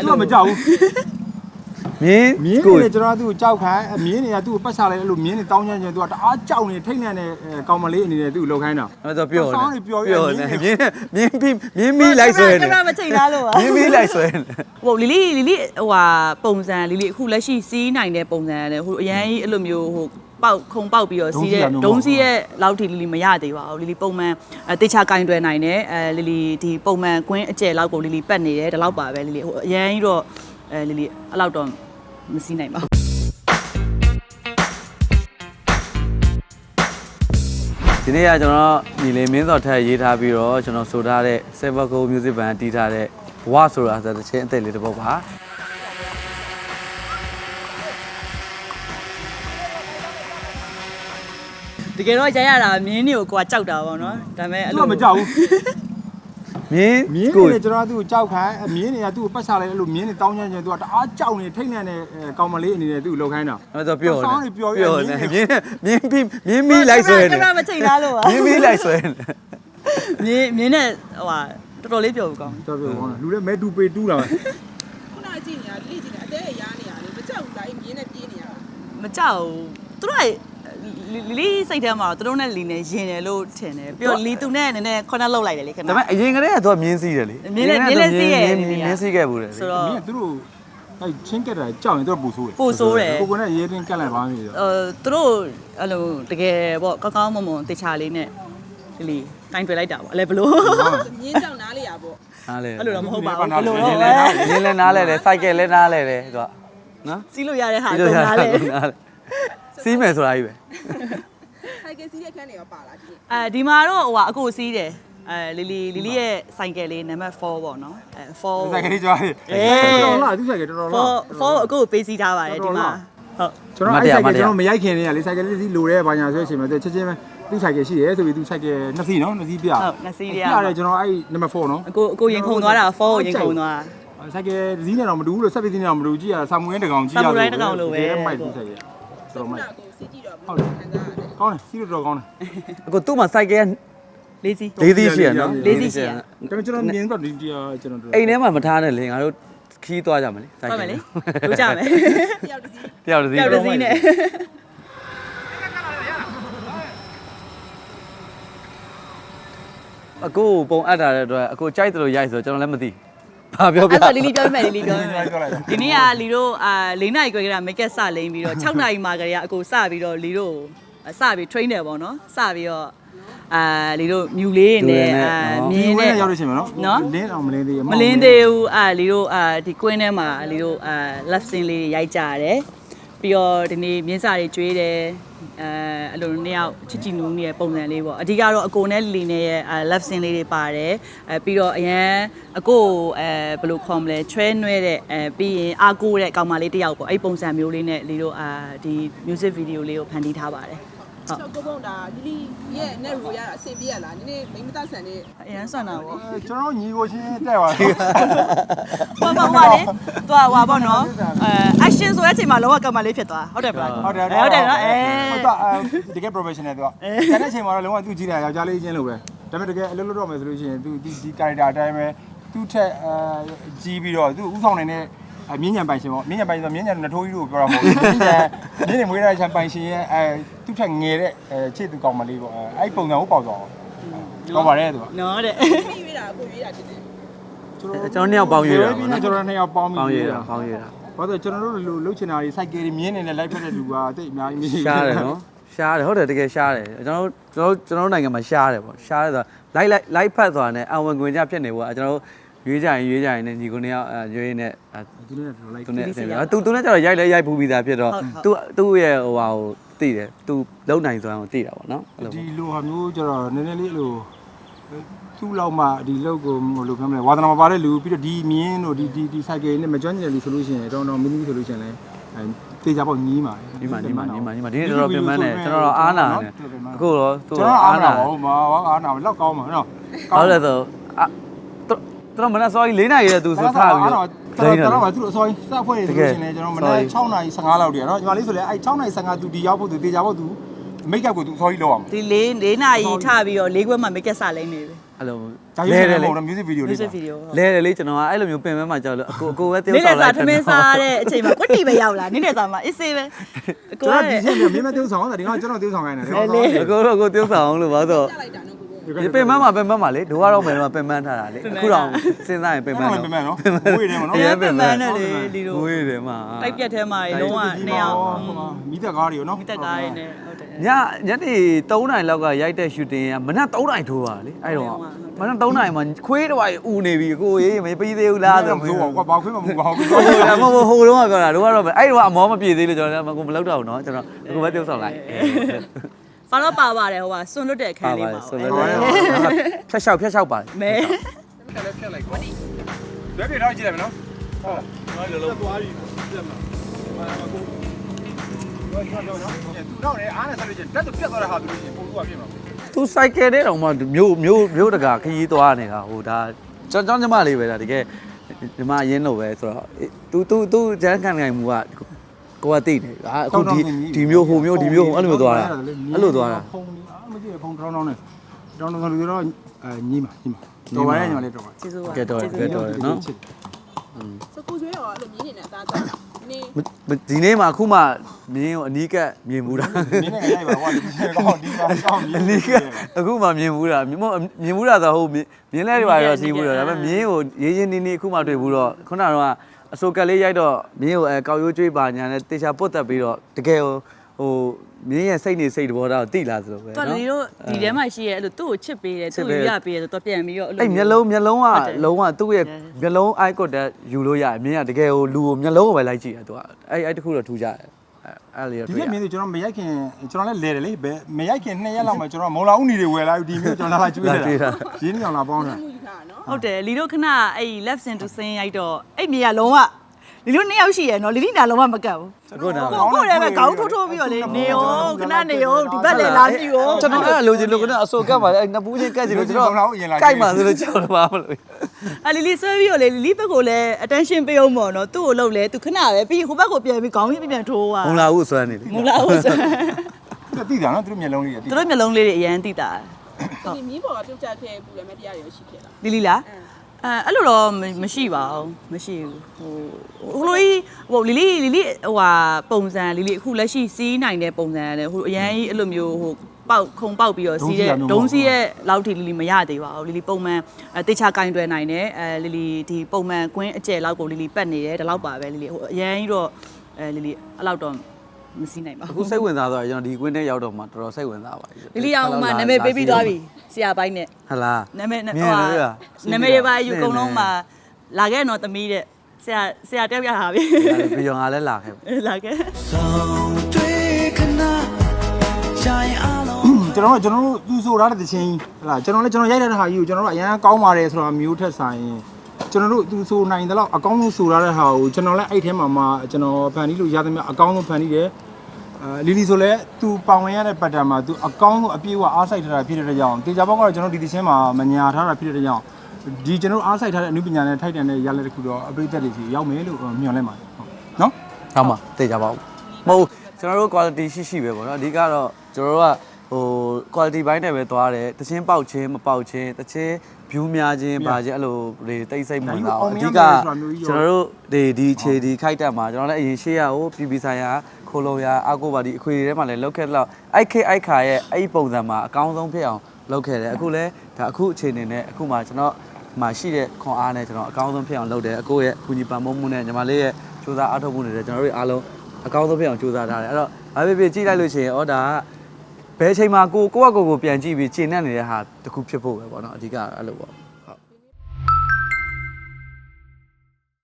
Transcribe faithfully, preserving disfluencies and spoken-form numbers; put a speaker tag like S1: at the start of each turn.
S1: သူကမကြောက်ဘူးမြင်းမြင်းနေကျွန်တော်သူ့ကိုကြောက်ခံမြင်းတွေကသူ့ကိုပတ်ချလိုက်အဲ့လိုမြင်းတွေတောင်းချမ်းချင်သူကတအားကြောက်နေထိတ်လန့်နေကောင်မလေးအနေနဲ့သူ့ကိုလှုပ်ခိုင်းတာ
S2: အဲ့တော့ပြောတယ်
S1: ပြော
S2: ပြောတယ်မြင်းမြင်းပြီးမြင်းမီလိုက်ဆွဲနေ
S3: ကင်မရာမချိန်သားလို့ပါ
S2: မြင်းမီလိုက်ဆွဲနေ
S3: ဟိုလီလီလီလီဟိုဟာပုံစံလီလီအခုလက်ရှိစီးနိုင်တဲ့ပုံစံနဲ့ဟိုအရန်ကြီးအဲ့လိုမျိုးဟိုပေါက်ခုံပေါက်ပြီးတော့စီးတဲ့ဒုံးစီးရဲ့လောက်ထိလီလီမရသေးပါဘူးလီလီပုံမှန်တေချာကင်တွယ်နိုင်တယ်အဲလီလီဒီပုံမှန်ကွင်းအကျယ်လောက်ကိုလီလီပတ်နေတယ်ဒီလောက်ပါပဲလီလီဟိုအရန်ကြီးတော့အဲလီလီအဲ့လောက်တော့မစီးနိုင်ပါဘူး
S2: ဒီနေ့ကကျွန်တော်ညီလေးမင်းစော်ထက်ရေးထားပြီးတော့ကျွန်တော်ဆိုထားတဲ့ Silver Gold Music Band တီးထားတဲ့ဝါဆိုတာဆိုတဲ့ချင်းအသက်လေးတစ်ပုဒ်ပါ
S3: တကယ်တော့ရရတာမြင်းတွေကိုကိုကကြောက်တာပေါ့နော်ဒါပေမဲ့အဲ့လို
S1: မကြောက်ဘူး
S2: မြင်း
S1: မြင်းတွေကျွန်တော်သူ့ကိုကြောက်ခံမြင်းတွေကသူ့ကိုပတ်ချလိုက်အဲ့လိုမြင်းတွေတောင်းချမ်းချင်သူကတအားကြောက်နေထိတ်လန့်နေကောင်မလေးအနေနဲ့သူ့ကိုလှုပ်ခိုင်းတာ
S2: အဲ့တော့ပြောတယ်ပြောတယ်မြင်းမြင်းပြီးမြင်းမီလိုက်ဆွဲနေ
S3: ကင်မရာမချိန်သားလို့ပါ
S2: မြင်းမီလိုက်ဆွဲ
S3: နေမြင်းမြင်းနဲ့ဟိုဟာတော်တော်လေးပြောဘူးကောင်း
S1: တော်ပြောကောင်းလူလည်းမဲတူပေတူးလာပဲ
S4: ခုနကြည့်နေတာလိကြည့်နေအသေးရားနေရတယ်မကြောက်ဘူးလားမြင်းနဲ့ပြေးနေရတာ
S3: မကြောက်ဘူးသူတို့လီလီစိတ်ထဲမှာသူတို့နဲ့လီနဲ့ရင်တယ်လို့ထင်တယ်ပြီးတော့လီသူနဲ့နည်းနည်းခေါင်းလောက်လိုက်တယ်လေခဏ
S2: ဒါပေမဲ့အရင်ကတည်းကသူကမြင်းစီးတယ်လေ
S3: မြင်းလည်းမြင်းလည်းစီးရ
S2: မြင်းစီးခဲ့ဘူးလေ
S3: ဆိုတော့
S1: မြင်းသူတို့အဲချင်းကက်တာကြောက်ရင်သူကပူဆိုးတယ်
S3: ပူဆိုးတယ်
S1: ကိုကနဲ့ရဲတင်းကက်လိုက်ပါမိတယ်
S3: အဲသူတို့အဲ့လိုတကယ်ပေါ့ကောင်းကောင်းမွန်မွန်တေချာလေးနဲ့လီတိုင်းတွေ့လိုက်တာပေါ့အဲ့လေဘလို့
S4: မြင်းကြောက်နားလေရပေါ့
S2: နားလေ
S3: အဲ့လိုတော့မဟုတ်ပါဘူး
S2: အဲ့လိုတော့မြင်းလည်းနားလဲတယ်စိုက်ကယ်လည်းနားလဲတယ်သူကနော်
S3: စီးလို့ရတဲ့ဟာတော့နားလဲ
S2: စီးမယ်ဆိုတာကြီးပဲ
S4: ဆိုင်ကယ်စီးတဲ့ခန်းတွေရောပါလားဒီ
S3: အဲဒီမှာတော့ဟိုအကိုစီးတယ်အဲလီလီလီလီရဲ့ဆိုင်ကယ်လေးနံပါတ်fourပေါ့နော်အဲfour
S1: ဆိုင်ကယ်လေးကြွားတယ်
S3: အေး
S1: တော်လားသူဆိုင်ကယ်တော်တော်လား
S3: four fourအကိုကိုပေးစီးထားပါတယ်ဒီမှာ
S1: ဟုတ်ကျွန်တော်အဲ့ဆိုင်ကယ်ကျွန်တော်မရိုက်ခင်နေရလေဆိုင်ကယ်လေးစီးလိုတဲ့ဘာညာဆိုတဲ့အချိန်မှာသူချက်ချင်းပဲသူဆိုင်ကယ်ရှိတယ်ဆိုပြီးသူဆိုင်ကယ်နှစ်စီးနော်နှစ်စီးပြ
S3: ဟုတ်နှစ်စီးပြ
S1: ပြတယ်ကျွန်တော်အဲ့နံပါတ်fourနော်
S3: အကိုအကိုရင်ခုန်သွားတာfourကိုရင်ခုန်သွား
S1: ဆိုင်ကယ်စီးနေတော့မတူဘူးလို့ဆက်ပြီးစီးနေတော့မတူကြည့်ရတာဆာမူရင်းတကောင်ကြည့်ရ
S3: ဆာမူရင်းတကောင်လိုပဲ
S1: မိုက်သူဆိုင်ကယ်
S4: တော်မိုက်ကိုစီးကြည့်တော့ဟုတ်တယ်ခံစားရတယ်
S1: ကောင်းတယ်စီးလို့တော့ကောင်းတယ်
S2: အခုသူ့မှာစိုက်ကယ်
S3: လေးစီး
S2: လေးစီးရှိရနော်
S3: လေးစီးရှိရ
S1: ဒါပေမဲ့ကျွန်တော်မြင်တော့ဒီကျွန်တော်
S2: အိမ်ထဲမှာမထားနဲ့လေငါတို့ခီးသွားကြမယ်လေ
S3: စိုက်ကယ်လေတို့ကြမယ်
S4: တယောက်တစ်စီး
S2: တယောက်တစ်စီးတ
S3: ယောက်တစ်စီးနဲ့
S2: အခုပုံအပ်တာတဲ့အတွက်အခုကြိုက်တယ်လို့ရိုက်ဆိုကျွန်တော်လည်းမသိဘာပြောပြ
S3: အဲ့တော့လီလီပြောမယ်လီလီပြောမယ်ဒီနေ့ကလီတို့အာ၄နာရီခွဲကမိတ်ကက်စလိမ့်ပြီးတော့၆နာရီမှာကလေးကအကိုစပြီးတော့လီတို့စပြီး train တယ်ပေါ့နော်စပြီးတော့အာလီတို့မြူလေးနဲ့အာမြင်းနဲ့
S1: ရောက်လို့ရှိရင်နော်လင်းအောင်မလင်းသေးဘူး
S3: မလင်းသေးဘူးအာလီတို့အာဒီကွင်းထဲမှာလီတို့အာ left scene လေးရိုက်ကြရတယ်ပြီးတော့ဒီနေ့မြင်းစာတွေကျွေးတယ်အဲအဲ့လိုနှစ်ယောက်ချစ်ချီနူးနေတဲ့ပုံစံလေးပေါ့အဓိကတော့အကိုနဲ့လီနဲ့ရဲ့ left scene လေးတွေပါတယ်အဲပြီးတော့အရန်အကိုအဲဘယ်လိုခေါ်မလဲချွဲနွဲတဲ့အဲပြီးရင်အာကိုတဲ့ကောင်မလေးတစ်ယောက်ပေါ့အဲ့ပုံစံမျိုးလေးနဲ့လီတို့အာဒီ music video လေးကိုဖန်တီးထားပါတယ်
S4: ဟုတ်ကိုပုံတာလီလီရဲ့နဲ့ရိုရတာအဆင်ပြေရလားဒီနေ့မိမတဆန်နေ
S3: အရန်ဆွမ်းတာပေါ့
S1: ကျွန်တော်ညီကိုချင်းတက်သွားတယ်
S3: ဘာမှမဟုတ်လေသူကဟွာပေါ့နော်အဲ action ဆိုတဲ့အချိန်မှာလောကကမလေးဖြစ်သွားဟုတ်တယ်ဗျာ
S1: ဟုတ်တယ်
S3: ဟုတ်တယ်နော်အဲ
S1: ဟုတ်တာတကယ် professional သူကတကယ်အချိန်မှာတော့လုံးဝသူကြည့်တာယောက်ျားလေးချင်းလိုပဲဒါပေမဲ့တကယ်အလုပ်လုပ်တော့မယ်ဆိုလို့ရှိရင်သူဒီဒီ character အတိုင်းပဲသူ့ထက်အဲကြီးပြီးတော့သူဥဆောင်နေတဲ့မြင်းညံပိုင်ရှင်ပေါ့မြင်းညံပိုင်ဆိုမြင်းညံနှထိုးကြီးကိုပြောတာမဟုတ်ဘူးမြင်းညံမြင်းညံမွေးတဲ့ချံပိုင်ရှင်ရဲ့အဲသူ့ထက်ငယ်တဲ့အဲချစ်သူကောင်မလေးပေါ့အဲအဲ့ပုံစံကိုပေါက်သွားအောင်တော့ပါတယ်သူက
S3: နော်တဲ့
S4: ရွေးတာကိုရွေးတာတည်း
S2: ကျွန်တော်နှစ်ယောက်ပေါင်းရွေးတာ
S1: ကျွန်တော်နှစ်ယောက်ပေါင်းပြီး
S2: ပေါင်းရွေးတာပေါင်းရွေးတာ
S1: ဘာလို့ကျွန်တော်တို့လိုလှုပ်ချင်တာတွေစိုက်ကယ်မြင်းနေနဲ့လိုက်ဖက်တဲ့လူကတိတ်အများကြီးမရှိဘူး
S2: ရှားတယ်နော်ရှားတယ်ဟုတ်တယ်တကယ်ရှားတယ်ကျွန်တော်တို့ကျွန်တော်တို့နိုင်ငံမှာရှားတယ်ပေါ့ရှားတယ်ဆိုတာလိုက်လိုက်လိုက်ဖက်ဆိုတာနဲ့အဝင်ခွင်ကြဖြစ်နေပေါ့ကျွန်တော်တို့ရွေးကြရင်ရွေးကြရင်နဲ့ညီကိုနှစ်ယောက်ရွေးနေ
S1: သူနဲ့တော့လိုက်
S2: သူနဲ့သူသူနဲ့ကျတော့ရိုက်လဲရိုက်ပူပြီးသားဖြစ်တော့သူသူ့ရဲ့ဟိုဟာကိုသိတယ်သူလုံနိုင်ဆိုတာကိုသိတာပေါ့နော်
S1: ဒီလိုဟာမျိုးကျတော့နည်းနည်းလေးအဲ့လိုသူ့လောက်မှဒီလောက်ကိုဟိုလိုပြောမလဲဝါသနာမပါတဲ့လူပြီးတော့ဒီမြင်းတို့ဒီဒီဒီစိုက်ကယ်နဲ့မကျွမ်းကျင်တဲ့လူဆိုလို့ရှိရင်တော့တော့မင်းကြီးဆိုလို့ရှိရင်လည်းအဲတေချာပေါ့ညီးပါ
S2: ညီးပါညီးပါညီးပါညီးပါဒီနေ့တော်တော်ပြင်ပန်းတယ်ကျွန်တော်တော့အားနာတယ်အခုတော့သူ
S1: ကျွန်တော်အားနာဟိုမှာအားနာလောက်ကောင်းမှာနော်
S2: ဟုတ်တယ်ဆိုတော်မနက်စောကြီး၄နာရီတည်းသူဆိုထားပြီးတော့
S1: တော်တော်တော်သူ့အစောကြီးစဖွဲ့ရဆိုလို့ရှိရင်လည်းကျွန်တော်မနက်၆နာရီ၁၅လောက်တည်းနော်ညီမလေးဆိုလည်းအဲ၆နာရီ၁၅သူဒီရောက်ဖို့သူတေချာဖို့သူမိတ်ကပ်ကိုသူအစောကြီးလောက်အောင်
S3: ဒီ၄၄နာရီထပြီးတော့၄ခွဲမှမိတ်ကပ်စလိမ့်နေပြီ
S2: အဲ့လို
S1: ဒါရွေးတယ်လေ music video လေး
S3: music video
S2: လဲတယ်လေကျွန်တော်ကအဲ့လိုမျိုးပင်ပန်းမှကြောက်လို့အကိုအကိုပဲတယော
S3: နေ့
S2: က်
S3: လ
S2: ဆောင်
S3: ည်စာ
S2: လိုက်
S3: ထမင်းစားတဲ့အချိန်မှာကွတီပဲရောက်လာနေ့လည်စာမှာအစ်စေးပဲအကို
S1: ကျွန်
S3: က
S1: တော်ဒီချင်းမြင်းမtiêuဆောင်တာဒီကကျွန်တော်tiêuဆောင်ခိုင်းတယ်
S2: အကိုတော့အကိုတယောက်ဆောင်အောင်လို့ပါဆို
S4: ကြလိုက်တာနော်ကိုကို
S2: ဒီပင်ပန်းမှာပင်ပန်းမှာလေဒိုကတော့မယ်တော့ပင်ပန်းထားတာလေအခုတော့စဉ်းစားရင်ပင်ပန်း
S1: ပ
S2: တော့
S1: င်ပန်းနော်ဝေးတယ်မနော်
S2: ရဲပင်ပန်း
S3: နဲ့လေလီတို့
S2: ဝေးတယ်မှာ
S3: တိုက်ပြက်ထဲမှာလုံးဝနှစ်ယောက်
S1: မိသက်ကားတွေရောနော်
S3: မိသက်ကားရင်းနဲ့ဟုတ်တယ်
S2: ညညနေသုံးနာရီလောက်ကရိုက်တဲ့ shooting ကမနက်သုံးနာရီထိုးပါလေအဲ့တော့မနက်သုံးနာရီမှာခွေးတစ်ဝိုင်အူနေပြီကိုရေးမပြီးသေးဘူးလားဆို
S1: ဆိုတော့ကွာဘာခွေးမမူပါဘူး
S2: ဟိုကမဟုတ်ဟိုတော့ပြောတာတို့ကတော့အဲ့တော့အမောမပြေသေးလို့ကျွန်တော်ကမလောက်တော့ဘူးเนาะကျွန်တော်အခုပဲပြုတ်ဆောင်လိုက်
S3: ဘာလို့ပါပါတယ်ဟိုကဆွန်လွတ်တဲ့အခန်းလေးမှာ
S2: ဆိုတော့ဖြတ်လျှောက်ဖြတ်လျှောက်ပါ
S3: မဲ
S1: လည်းဖြတ်လိုက်ကွာဘယ်ပြေတော့ကြည့်လိုက်မနော်ဟုတ်ကျွန်တော်လည်းသွားပြီပြတ်မှာဟာကိုတော့ကျွန်တော်နော်သူတော့လည်းအားနဲ့ဆက်လို့ချင်းတက်တော့ပြတ်သွားတဲ့ဟာသူလို့ချင်းပုံသူကပြည့်မှာ
S2: သူ cycle တဲ့တော့မှမျိုးမျိုးမျိုးတကာခရီးသွားနေတာဟိုဒါကျွန်တော်ညီမလေးပဲဒါတကယ်ညီမအရင်လို့ပဲဆိုတော့ तू तू तू ဂျန်ကန်နိုင်မူကကိုကတိတယ်အခုဒီဒီမျိုးဟိုမျိုးဒီမျိုးဟိုအဲ့လိုမျိုးသွားတာအဲ့လိုသွားတာ
S1: ဖုန်းအားမကြည့်ဖုန်းတောင်းတောင်းနဲ့တောင်းတောင်းလူတွေတော့အဲညီမညီမတော်ပါရဲ့ညီမလေးတော်ပါ
S3: ကျေးဇူးပါ
S2: ကဲတော့ကဲတော့နော်
S4: စကူဆွေးရောအဲ့လိုမြင်းနေနဲ့အသားကြောက်တာနေ
S2: ဒီနေ့မှာအခုမှမြင်းကိုအနီးကပ်မြင်မှုတာ
S1: နင်းနေလိုက်ပါကွာဒီကောင်ဒီကောင်ကောင်းမြ
S2: အ
S1: င်
S2: နီးကပ်အခုမှမြင်မှုတာမြင်မမြင်မှုတာဆိုဟိုမြင်းလဲတွေပါတော့စီးဘူးတော့ဒါပေမဲ့မြင်းကိုရေးရင်းနေနေအခုမှတွေ့ဘူးတော့ခုနကအစိုးကလေးရိုက်တော့မြင်းကိုအဲကောက်ရိုးကျွေးပါညာနဲ့တေချာပုတ်တက်ပြီးတော့တကယ်ဟိုဟိုမြင်းရဲ့စိတ်နေစိတ်တဘောတော့တိလာသလိုပဲ
S3: တော်လီတို့ဒီထဲမှာရှိရဲအဲ့လိုသူ့ကိုချစ်ပေးတယ်သူ့ကိုရပေးတယ်ဆိုတော့ပြန်ပြီးတော့အဲ့လို
S2: အဲ့မျက်လုံးမျက်လုံးကလုံးဝသူ့ရဲ့မျက်လုံး eye contact ယူလို့ရတယ်မြင်းကတကယ်ဟိုလူကိုမျက်လုံးကိုပဲလိုက်ကြည့်တယ်သူကအဲ့အဲ့တခုတော့ထူကြတယ်အဲ့လေ
S1: ဒီ
S2: တွေ့ရ
S1: ကမြင်သူကျွန်တော်မရိုက်ခင်ကျွန်တော်လည်းလဲတယ်လေဘယ်မရိုက်ခင်နှစ်ရက်လောက်မှကျွန်တော်မော်လာဦးနီတွေဝယ်လာဒီမျိုးကျွန်တော်လာကျွေးတယ်ရင်းနေအောင်လာပေါင်းတာ
S4: မှုယူထားနော်
S3: ဟုတ်တယ်လီတို့ခဏအဲ့ left sin to sin ရိုက်တော့အဲ့မြေကလုံးဝလီတို့နှစ်ယောက်ရှိရဲနော်လီလီနာလုံးဝမကတ်ဘူး
S2: ကိုနာ
S3: ကိုကိုလည်းပဲခေါင်းထိုးထိုးပြီးတော့လေနေရောခဏနေရောဒီဘက်လည်းလာပြီရော
S2: ကျွန်တော်အဲ့လိုချင်လို့ကအစိုးကတ်ပါလေအဲ့နှစ်ပူးချင်းကတ်ချင်လို့ကျွန်တော်ကြိုက်မှဆိုလို့ကြောက်တော့ပါမလို့
S3: အလီလီဆွဲပြီးတော့လေလီလီဘက်ကိုလည်း attention ပေးအောင်ပေါ့နော်သူ့ကိုလှုပ်လဲသူခဏပဲပြီးဟိုဘက်ကိုပြန်ပြီးခေါင်းကြီးပြန်ထိုးသွား
S2: မုံလာဘူးဆွမ်းနေလေ
S3: မလာဘူးဆို
S1: တိတာနော်သူတို့မျက်လုံးလေးတိ
S3: သူတို့မျိုးလုံးလေးတွေအရန်တိတာ
S4: ဒီမြင်းပေါ်ကပြုတ်ချခဲ့ပူရမယ့်တရားတွေရှိခဲ့လား
S3: လီလီလားအဲအဲ့လိုတော့မရှိပါဘူးမရှိဘူးဟိုဟိုလိုကြီးဟိုလီလီလီလီဟိုဟာပုံစံလီလီအခုလက်ရှိစီးနိုင်တဲ့ပုံစံနဲ့ဟိုအရန်ကြီးအဲ့လိုမျိုးဟိုပေါက်ခုံပေါက်ပြီးတော့စီးတဲ့ဒုံးစီးရဲ့လောက်ထိလီလီမရသေးပါဘူးလီလီပုံမှန်အဲတေချာကင်တွယ်နိုင်တယ်အဲလီလီဒီပုံမှန်ကွင်းအကျယ်လောက်ကိုလီလီပတ်နေတယ်ဒီလောက်ပါပဲလီလီဟိုအရန်ကြီးတော့အဲလီလီအဲ့လောက်တော့မစီးနိုင်ပါ
S2: အခု
S3: ဘူး
S2: စိတ်ဝင်စားသွားကျွန်တော်ဒီကွင်းထဲရောက်တော့မှတော်တော်စိတ်ဝင်စားပါပြီ
S3: လီလီအောင်မှနာမည်ပေးပြီးသွားပြီဆရာပိုင်းနဲ့
S2: ဟလား
S3: နာမည်
S2: မြင်
S3: ဟို
S2: လို့
S3: ဟာ
S2: ရ
S3: နာမည်တွေပါယူကုန်လုံးမှာလာခဲ့တော့သမီးတဲ့ဆရာဆရာတက်ပြတာပြီ
S2: ပြီးတော့ငါလည်းလာခဲ့
S3: လာခဲ့
S1: ကျွန်တော်ကျွန်တော်တို့သူဆိုထားတဲ့တခြင်းဟလာကျွန်တော်လည်းကျွန်တော်ရိုက်တဲ့ဟာကြီးကိုကျွန်တော်တို့အရန်ကောင်းပါတယ်ဆိုတာမျိုးထက်ဆိုင်ကျွန်တော်တို့သူဆိုနိုင်တယ်လို့အကောင်းဆုံးဆိုထားတဲ့ဟာကိုကျွန်တော်လည်းအဲ့ထဲမှာမှကျွန်တော်ဖန်တီးလို့ရသမျှအကောင်းဆုံးဖန်တီးတယ်အဲလီလီဆိုလည်းသူပောင်ဝင်ရတဲ့ပတ်တန်မှာသူအကောင်းဆုံးအပြည့်အဝအားစိုက်ထားတာဖြစ်တဲ့ကြောင့်တေချာဘောက်ကတော့ကျွန်တော်ဒီတခြင်းမှာမညာထားတာဖြစ်တဲ့ကြောင့်ဒီကျွန်တော်အားစိုက်ထားတဲ့အနုပညာနဲ့ထိုက်တန်တဲ့ရလက်တစ်ခုတော့အပိသက်တွေစီရောက်မယ်လို့မျှော်လင့်ပါတယ်ဟုတ်နော်
S2: ဟုတ်မှာသိကြပါဦးမဟုတ်ကျွန်တော်တို့ quality ရှိရှိပဲပေါ့နော်အဓိကတော့ကျွန်တော်တို့ကဟို quality ဘိုင်းနဲ့ပဲသွားတယ်တချင်းပေါက်ချင်းမပေါက်ချင်းတချင်း view များချင်းပါချင်းအဲ့လိုတွေတိတ်ဆိတ်မှန်းတာအဓိကကျွန်တော်တို့ဒီဒီခြေဒီခိုက်တက်မှာကျွန်တော်လည်းအရင်ရှေ့ရဟိုပြည်ပြည်ဆိုင်ရာခိုးလုံးရအာကိုပါဒီအခွေတွေထဲမှာလည်းလောက်ခဲ့တော့အိုက်ခေအိုက်ခါရဲ့အဲ့ဒီပုံစံမှာအကောင်းဆုံးဖြစ်အောင်လုပ်ခဲ့တယ်အခုလည်းဒါအခုအခြေအနေနဲ့အခုမှကျွန်တော်မှာရှိတဲ့ခွန်အားနဲ့ကျွန်တော်အကောင်းဆုံးဖြစ်အောင်လုပ်တယ်အကိုရဲ့ကူညီပံ့ပိုးမှုနဲ့ညီမလေးရဲ့စူးစမ်းအားထုတ်မှုတွေလည်းကျွန်တော်တို့အားလုံးအကောင်းဆုံးဖြစ်အောင်စူးစမ်းထားတယ်အဲ့တော့ဘာဖြစ်ဖြစ်ကြည့်လိုက်လို့ရှိရင်ဩဒါကဘယ်ချိန်မှာကိုကိုယ့်အကိုကိုပြန်ကြည့်ပြီးကျင့်နေနေတဲ့ဟာတခုဖြစ်ဖို့ပဲပေါ့နော်အဓိကအဲ့လိုပေါ့